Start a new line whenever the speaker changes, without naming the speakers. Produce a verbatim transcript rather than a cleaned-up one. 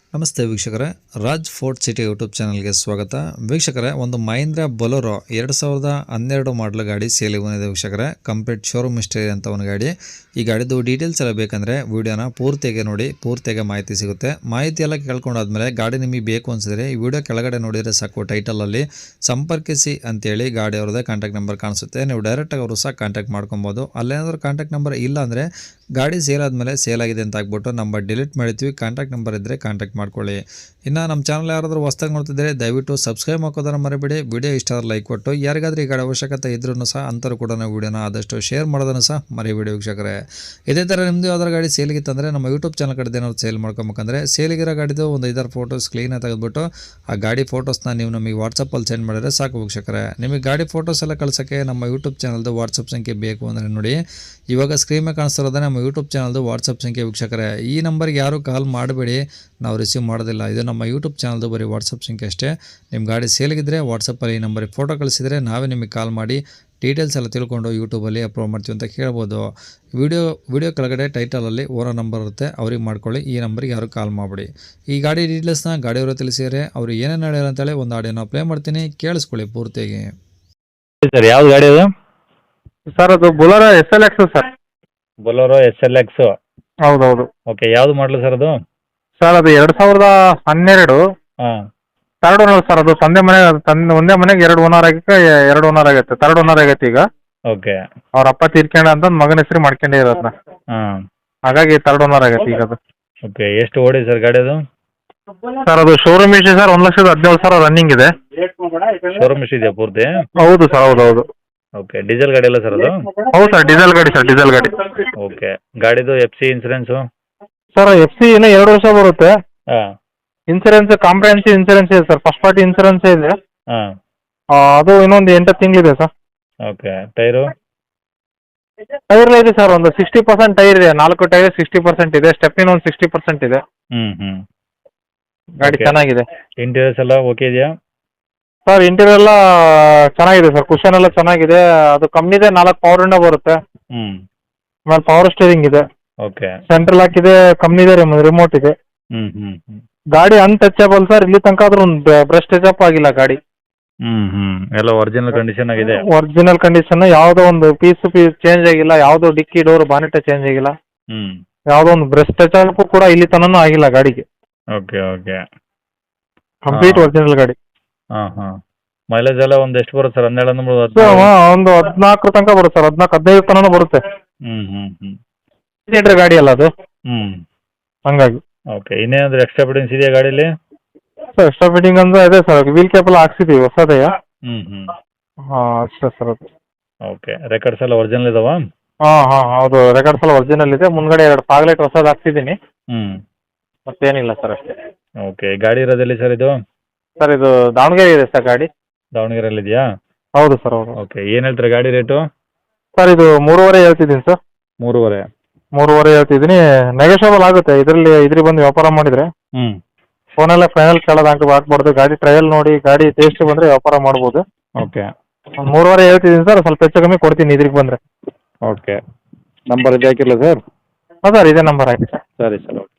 ನಮಸ್ತೆ ವೀಕ್ಷಕರೇ, Raj fort city YouTube ಚಾನಲ್ಗೆ ಸ್ವಾಗತ. ವೀಕ್ಷಕರೇ, ಒಂದು ಮಹೀಂದ್ರ ಬೊಲೊರೋ ಎರಡು ಸಾವಿರದ ಹನ್ನೆರಡು ಮಾಡಲ್ ಗಾಡಿ ಸೇಲಿಗೆ ಬಂದಿದೆ ವೀಕ್ಷಕರೇ. ಕಂಪ್ಲೀಟ್ ಶೋರೂಮ್ ಹಿಸ್ಟರಿ ಅಂತ ಒಂದು ಗಾಡಿ. ಈ ಗಾಡಿದು ಡೀಟೇಲ್ಸ್ ಎಲ್ಲ ಬೇಕಂದರೆ ವಿಡಿಯೋನ ಪೂರ್ತಿಯಾಗಿ ನೋಡಿ, ಪೂರ್ತಿಯಾಗಿ ಮಾಹಿತಿ ಸಿಗುತ್ತೆ. ಮಾಹಿತಿ ಎಲ್ಲ ಕೇಳ್ಕೊಂಡಾದ್ಮೇಲೆ ಗಾಡಿ ನಿಮಗೆ ಬೇಕು ಅನಿಸಿದ್ರೆ ಈ ವಿಡಿಯೋ ಕೆಳಗಡೆ ನೋಡಿದರೆ ಸಾಕು, ಟೈಟಲಲ್ಲಿ ಸಂಪರ್ಕಿಸಿ ಅಂತೇಳಿ ಗಾಡಿ ಅವ್ರದ್ದೇ ಕಾಂಟ್ಯಾಕ್ಟ್ ನಂಬರ್ ಕಾಣಿಸುತ್ತೆ. ನೀವು ಡೈರೆಕ್ಟಾಗಿ ಅವರು ಸಹ ಕಾಂಟ್ಯಾಕ್ಟ್ ಮಾಡ್ಕೊಬೋದು. ಅಲ್ಲೇನಾದರೂ ಕಾಂಟ್ಯಾಕ್ಟ್ ನಂಬರ್ ಇಲ್ಲ ಅಂದರೆ ಗಾಡಿ ಸೇಲ್ ಆದಮೇಲೆ ಸೇಲ್ ಆಗಿದೆ ಅಂತ ಆಗ್ಬಿಟ್ಟು ನಂಬರ್ ಡಿಲೀಟ್ ಮಾಡಿರ್ತೀವಿ. ಕಾಂಟ್ಯಾಕ್ಟ್ ನಂಬರ್ ಇದ್ದರೆ ಕಾಂಟ್ಯಾಕ್ಟ್ ಮಾಡ್ಕೊಳ್ಳಿ. ಇನ್ನು ನಮ್ಮ ಚಾನಲ್ ಯಾರಾದರೂ ಹೊಸ್ದಾಗಿ ನೋಡ್ತಿದ್ದರೆ ದಯವಿಟ್ಟು ಸಬ್ಸ್ಕ್ರೈಬ್ ಹಾಕೋದನ್ನು ಮರಿಬೇಡಿ. ವಿಡಿಯೋ ಇಷ್ಟ ಆದ್ರೆ ಲೈಕ್ ಕೊಟ್ಟು, ಯಾರಿಗಾದ್ರೂ ಈ ಗಾಡಿ ಅವಶ್ಯಕತೆ ಇದ್ರೂ ಸಹ ಅಂಥವ್ರು ಕೂಡ ನಾವು ವಿಡಿಯೋನ ಆದಷ್ಟು ಶೇರ್ ಮಾಡೋದನ್ನು ಸಹ ಮರಿಬೇಡಿ ವೀಕ್ಷಕರೇ. ಇದೇ ಥರ ನಿಮ್ಮದು ಯಾವ್ದಾರು ಗಾಡಿ ಸೇಲಿಗಿತ್ತಂದರೆ ನಮ್ಮ ಯೂಟ್ಯೂಬ್ ಚಾನಲ್ ಕಡೆ ಏನಾದ್ರು ಸೇಲ್ ಮಾಡ್ಕೊಬೇಕಂದ್ರೆ ಸೇಲಿಗಿರೋ ಗಾಡಿದು ಒಂದು ಐದಾರು ಫೋಟೋಸ್ ಕ್ಲೀನಾಗಿ ತೆಗೆದುಬಿಟ್ಟು ಆ ಗಾಡಿ ಫೋಟೋಸ್ನ ನೀವು ನಮಗೆ ವಾಟ್ಸಪ್ಪಲ್ಲಿ ಸೆಂಡ್ ಮಾಡಿದರೆ ಸಾಕು ವೀಕ್ಷಕರೇ. ನಿಮಗೆ ಗಾಡಿ ಫೋಟೋಸ್ ಎಲ್ಲ ಕಳ್ಸೋಕ್ಕೆ ನಮ್ಮ ಯೂಟ್ಯೂಬ್ ಚಾನಲ್ದು ವಾಟ್ಸಪ್ ಸಂಖ್ಯೆ ಬೇಕು ಅಂದರೆ ನೋಡಿ, ಇವಾಗ ಸ್ಕ್ರೀನ್ ಮೇಲೆ ಕಾಣಿಸ್ತಿರೋದೇ ನಮ್ಮ ಯೂಟ್ಯೂಬ್ ಚಾನಲ್ದು ವಾಟ್ಸಪ್ ಸಂಖ್ಯೆ ವೀಕ್ಷಕರೇ. ಈ ನಂಬರ್ಗೆ ಯಾರು ಕಾಲ್ ಮಾಡಬೇಡಿ, ನಾವು ರಿಸೀವ್ ಮಾಡೋದಿಲ್ಲ. ಇದು ನಮ್ಮ ಯೂಟ್ಯೂಬ್ ಚಾನಲ್ದು ಬರೀ ವಾಟ್ಸಪ್ ಸಂಖ್ಯೆ ಅಷ್ಟೇ. ನಿಮ್ಮ ಗಾಡಿ ಸೇಲಿಗಿದ್ರೆ ವಾಟ್ಸಪ್ಪಲ್ಲಿ ಈ ನಂಬರಿಗೆ ಫೋಟೋ ಕಳಿಸಿದರೆ ನಾವೇ ನಿಮಗೆ ಕಾಲ್ ಮಾಡಿ ಡೀಟೇಲ್ಸ್ ಎಲ್ಲ ತಿಳ್ಕೊಂಡು ಯೂಟ್ಯೂಬಲ್ಲಿ ಅಪ್ಲೋಡ್ ಮಾಡ್ತೀವಿ ಅಂತ ಕೇಳ್ಬೋದು. ವಿಡಿಯೋ ವಿಡಿಯೋ ಕೆಳಗಡೆ ಟೈಟಲಲ್ಲಿ ಓನರ್ ನಂಬರ್ ಇರುತ್ತೆ, ಅವ್ರಿಗೆ ಮಾಡ್ಕೊಳ್ಳಿ. ಈ ನಂಬರಿಗೆ ಯಾರು ಕಾಲ್ ಮಾಡಿಬಿಡಿ. ಈ ಗಾಡಿ ಡೀಟೇಲ್ಸ್ನ ಗಾಡಿಯವರು ತಿಳಿಸಿದರೆ ಅವರು ಏನೇನು ಹೇಳ್ಯಾರ ಅಂತೇಳಿ ಒಂದು ಆಡಿಯೋನ ಪ್ಲೇ ಮಾಡ್ತೀನಿ, ಕೇಳಿಸ್ಕೊಳ್ಳಿ ಪೂರ್ತಿಯಾಗಿ.
ಸರ್ ಯಾವ್ದು ಗಾಡಿ ಅದು?
ಸರ್ ಅದು Bolero S L X sir.
Bolero S L X.
ಹೌದೌದು
ಓಕೆ, ಯಾವ್ದು ಮಾಡಲು ಸರ್ ಅದು?
ಸರ್ ಅದು ಎರಡು ಸಾವಿರದ ಹನ್ನೆರಡು
ಹಾಂ.
Third owner sir. ಅದು ತಂದೆ ಮನೆ ತಂದೆ ಒಂದೇ ಮನೆಗೆ ಎರಡು ಓನರ್ ಆಗಕ್ಕೆ ಎರಡು ಓನರ್ ಆಗೈತೆ, ತರ್ಡ್ ಓನರ್ ಆಗೈತೆ ಈಗ.
ಓಕೆ.
ಅವ್ರ ಅಪ್ಪ ತೀರ್ಕೊಂಡ ಅಂತ ಮಗನ ಹೆಸರು ಮಾಡ್ಕೊಂಡೇ ಇರೋದನ್ನ,
ಹಾಂ.
ಹಾಗಾಗಿ ತರ್ಡ್ ಓನರ್ ಆಗೈತೆ ಈಗ ಅದು.
ಓಕೆ, ಎಷ್ಟು ಓಡಿ ಸರ್ ಗಾಡಿ ಅದು?
ಸರ್ ಅದು ಶೋರೂಮ್ ಇಶ್ಯೂ ಸರ್, ಒಂದು ಲಕ್ಷದ ಹದಿನೇಳು ಸಾವಿರ ರನ್ನಿಂಗ್ ಇದೆ.
ಶೋರೂಮ್ ಇದೆಯಾ ಪೂರ್ತಿ?
ಹೌದು ಸರ್, ಹೌದು ಹೌದು.
ಓಕೆ, ಡೀಸೆಲ್ ಗಾಡಿ ಅಲ್ಲ ಸರ್ ಅದು?
ಹೌದು ಸರ್, ಡೀಸೆಲ್ ಗಾಡಿ ಸರ್, ಡೀಸೆಲ್ ಗಾಡಿ.
ಓಕೆ, ಗಾಡಿದು F C insurance?
Sir F C ಇನ್ನೂ ಎರಡು ವರ್ಷ ಬರುತ್ತೆ.
ಹಾಂ.
ಇನ್ಸೂರೆನ್ಸ್ ಕಾಂಪ್ರಹೆನ್ಸಿವ್ ಇನ್ಸೂರೆನ್ಸ್ ಇದೆ ಸರ್, ಫಸ್ಟ್ ಪಾರ್ಟಿ ಇನ್ಸೂರೆನ್ಸ್ ಇದೆ.
ಹಾಂ.
ಆ, ಅದು ಇನ್ನೊಂದು ಎಂಟು ತಿಂಗಳಿದೆ ಸರ್.
Okay, tyre?
ಟೈರ್ ಇದೆ ಸರ್, ಒಂದು ಸಿಕ್ಸ್ಟಿ ಪರ್ಸೆಂಟ್ ಟೈರ್ ಇದೆ. ನಾಲ್ಕು ಟೈರ್ ಸಿಕ್ಸ್ಟಿ ಪರ್ಸೆಂಟ್ ಇದೆ, ಸ್ಟೆಪ್ಪಿನ ಒಂದು ಸಿಕ್ಸ್ಟಿ ಪರ್ಸೆಂಟ್ ಇದೆ.
ಹ್ಞೂ ಹ್ಞೂ.
ಗಾಡಿ
Okay.
ಚೆನ್ನಾಗಿದೆ
ಇಂಟೀರಿಯರ್ಸ್ ಎಲ್ಲ ಓಕೆ ಇದೆಯಾ?
ಸರ್. ಇಂಟೀರಿಯರ್ ಎಲ್ಲ ಚೆನ್ನಾಗಿದೆ ಸರ್, ಕುಷನ್ ಎಲ್ಲ ಚೆನ್ನಾಗಿದೆ. ಅದು ಕಮ್ಮಿದೆ, ನಾಲ್ಕು ಪವರ್ ವಿಂಡೋ ಬರುತ್ತೆ.
ಹ್ಞೂ.
ಆಮೇಲೆ ಪವರ್ ಸ್ಟೇರಿಂಗ್ ಇದೆ,
ಓಕೆ.
ಸೆಂಟ್ರಲ್ ಲಾಕ್ ಇದೆ, ಕಮ್ಮಿದೆ, ರಿಮೋಟ್ ಇದೆ.
ಹ್ಞೂ ಹ್ಞೂ ಹ್ಞೂ.
ಗಾಡಿ ಅನ್ಟಚಬಲ್ ಸರ್. ಇಲ್ಲಿ ತನಕ ಆದ್ರೂ ಒಂದು ಬ್ರಷ್ ಟಚಪ್ ಆಗಿಲ್ಲ ಗಾಡಿ.
ಹ್ಞೂ ಹ್ಞೂ. ಎಲ್ಲ ಒರಿಜಿನಲ್ ಕಂಡೀಷನ್ ಆಗಿದೆ?
ಒರಿಜಿನಲ್ ಕಂಡೀಷನ್, ಯಾವುದೋ ಒಂದು ಪೀಸ್ ಪೀಸ್ ಚೇಂಜ್ ಆಗಿಲ್ಲ, ಯಾವುದೋ ಡಿಕ್ಕಿ ಡೋರ್ ಬಾನೆಟ್ ಚೇಂಜ್ ಆಗಿಲ್ಲ,
ಹ್ಞೂ.
ಯಾವುದೋ ಒಂದು ಬ್ರಷ್ ಟಚಪ್ ಕೂಡ ಇಲ್ಲಿ ತನಕ ಆಗಿಲ್ಲ ಗಾಡಿಗೆ.
Okay okay.
ಕಂಪ್ಲೀಟ್
ಹಾ.
ಒರಿಜಿನಲ್ ಗಾಡಿ.
ಹಾಂ ಹಾಂ. ಮೈಲೇಜ್ ಎಲ್ಲ ಒಂದು ಎಷ್ಟು ಬರುತ್ತೆ ಸರ್? ಹನ್ನೆರಡು ಅಂದ್ರೆ
ಸೊ,
ಹದಿನಾರು?
ಒಂದು ಹದಿನಾಲ್ಕು ತನಕ ಬರುತ್ತೆ ಸರ್, ಹದಿನಾಲ್ಕು ಹದಿನೈದು ತನಕ ಬರುತ್ತೆ.
ಹ್ಞೂ ಹ್ಞೂ ಹ್ಞೂ.
ಸೀಟರ್ ಗಾಡಿ ಅಲ್ಲ ಅದು,
ಹ್ಞೂ.
ಹಂಗಾಗಿ.
ಓಕೆ, ಇನ್ನೇನಾದರೂ ಎಕ್ಸ್ಟ್ರಾ ಫಿಟ್ಟಿಂಗ್ಸ್ ಇದೆಯಾ ಗಾಡೀಲಿ?
ಸರ್ ಎಕ್ಸ್ಟ್ರಾ ಫಿಟ್ಟಿಂಗ್ ಅಂದ್ರೆ ಅದೇ ಸರ್, ವೀಲ್ ಕ್ಯಾಪ್ ಎಲ್ಲ ಹಾಕ್ಸಿದೀವಿ ಹೊಸದೇ.
ಹ್ಞೂ ಹ್ಞೂ.
ಹಾಂ ಅಷ್ಟೇ ಸರ್ ಅದು.
ಓಕೆ, ರೆಕಾರ್ಡ್ಸ್ ಎಲ್ಲ ಒರಿಜಿನಲ್ ಇದಾವಾ?
ಹಾಂ ಹಾಂ ಹೌದು, ರೆಕಾರ್ಡ್ಸ್ ಎಲ್ಲ ಒರಿಜಿನಲ್ ಇದೆ. ಮುಂದ್ಗಡೆ ಎರಡು ಪಾಗ್ಲೈಟ್ ಹೊಸದು ಹಾಕ್ಸಿದ್ದೀನಿ,
ಹ್ಞೂ.
ಮತ್ತೇನಿಲ್ಲ ಸರ್ ಅಷ್ಟೇ.
ಓಕೆ, ಗಾಡಿ ಇರೋದೆಲ್ಲಿ ಸರ್ ಇದು?
ಸರ್ ಇದು ದಾವಣಗೆರೆ ಇದೆ ಸರ್ ಗಾಡಿ.
ದಾವಣಗೆರೆಯಲ್ಲಿ ಇದೆಯಾ?
ಹೌದು ಸರ್, ಹೌದು.
ಓಕೆ, ಏನು ಹೇಳ್ತಾರೆ ಗಾಡಿ ರೇಟು?
ಸರ್ ಇದು ಮೂರುವರೆ ಹೇಳ್ತಿದ್ದೀನಿ ಸರ್.
ಮೂರುವರೆ?
ಮೂರುವರೆ ಹೇಳ್ತಿದ್ದೀನಿ, ನೆಗೋಷಿಯಬಲ್ ಆಗುತ್ತೆ. ಇದರಲ್ಲಿ ಇದ್ರಿಗೆ ಬಂದು ವ್ಯಾಪಾರ ಮಾಡಿದರೆ
ಹ್ಞೂ.
ಫೋನೆಲ್ಲ ಫೈನಲ್ ಕೇಳೋದು ಹಾಕಿ ಹಾಕ್ಬಾರ್ದು. ಗಾಡಿ ಟ್ರಯಲ್ ನೋಡಿ, ಗಾಡಿ ಟೇಸ್ಟ್ ಬಂದರೆ ವ್ಯಾಪಾರ ಮಾಡ್ಬೋದು.
ಓಕೆ.
ಒಂದು ಮೂರುವರೆ ಹೇಳ್ತಿದ್ದೀನಿ ಸರ್, ಸ್ವಲ್ಪ ಹೆಚ್ಚು ಕಮ್ಮಿ ಕೊಡ್ತೀನಿ ಇದ್ರಿಗೆ ಬಂದರೆ.
ಓಕೆ, ನಂಬರ್ ಇದೆ ಹಾಕಿರಲ್ಲ ಸರ್?
ಹಾಂ ಸರ್, ಇದೇ ನಂಬರ್ ಹಾಕಿ ಸರ್.
ಸರಿ ಸರ್. ಓಕೆ.